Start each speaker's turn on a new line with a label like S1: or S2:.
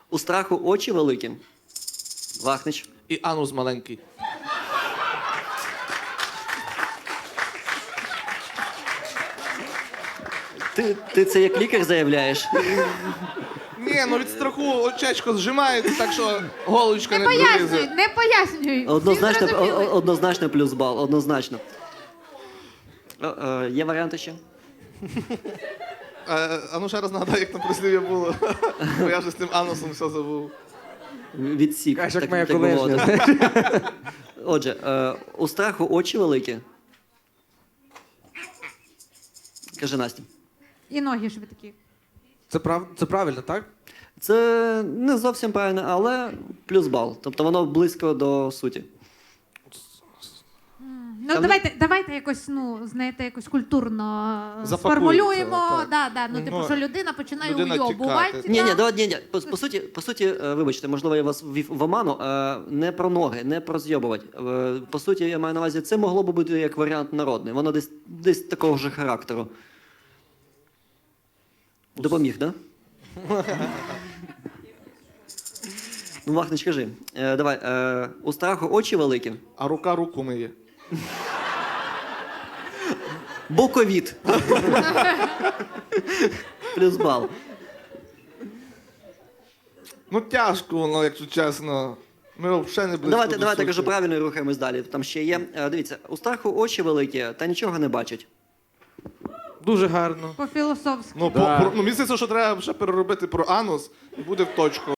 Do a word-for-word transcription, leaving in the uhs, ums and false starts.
S1: У страху очі великі. Вахнич.
S2: І анус маленький.
S1: Ти, ти це як лікар заявляєш?
S2: Ні, ну від страху очечко зжимається, так що голочка
S3: Не
S2: не
S3: пояснюй,
S2: пролізе.
S3: не пояснюй. Всі
S1: Однозначно, о-
S3: зрозуміли.
S1: о- однозначно плюс бал, однозначно. О, е, є варіанти ще?
S2: А, а ну ще раз нагадай, як там прислів'я було. Бо я вже з тим анусом все забув.
S1: Відсік.
S4: Кажеш, як
S1: так-
S4: моя
S1: так би
S4: колишня.
S1: мовити. Отже, е, у страху очі великі. Каже Настя.
S3: І ноги швидкі.
S4: Це, прав... це правильно, так?
S1: Це не зовсім правильно, але плюс бал. Тобто воно близько до суті.
S3: Ну,
S1: Там-
S3: давайте, давайте якось, ну, знаєте, якось культурно е,
S2: Запакуємо
S3: сформулюємо.
S2: це, так.
S3: Да, да, ну, типу,
S2: Ну,
S3: що людина починає
S2: людина
S3: уйобувати.
S2: тікати.
S1: Ні, ні,
S3: да.
S1: давай, ні, ні. По, по суті, по суті, е, вибачте, можливо, я вас ввів в оману. е, Не про ноги, не про зйобувати. Е, По суті, я маю на увазі, це могло б бути як варіант народний. Воно десь, десь такого ж характеру. Допоміг, так? Да? Ну, Вахнич, кажи. Е, Давай, е, у страху очі великі.
S2: А рука руку миє.
S1: Боковід. Плюс бал.
S2: Ну тяжко воно, якщо чесно. Ми взагалі не близько
S1: Давайте,
S2: до
S1: давайте
S2: суті.
S1: кажу правильно і рухаємось далі. Там ще є. Е, Дивіться, у страху очі великі, та нічого не бачать.
S4: Дуже гарно.
S3: По-філософськи.
S2: Ну, по, про, ну, мені здається, що треба ще переробити про анус і буде в точку.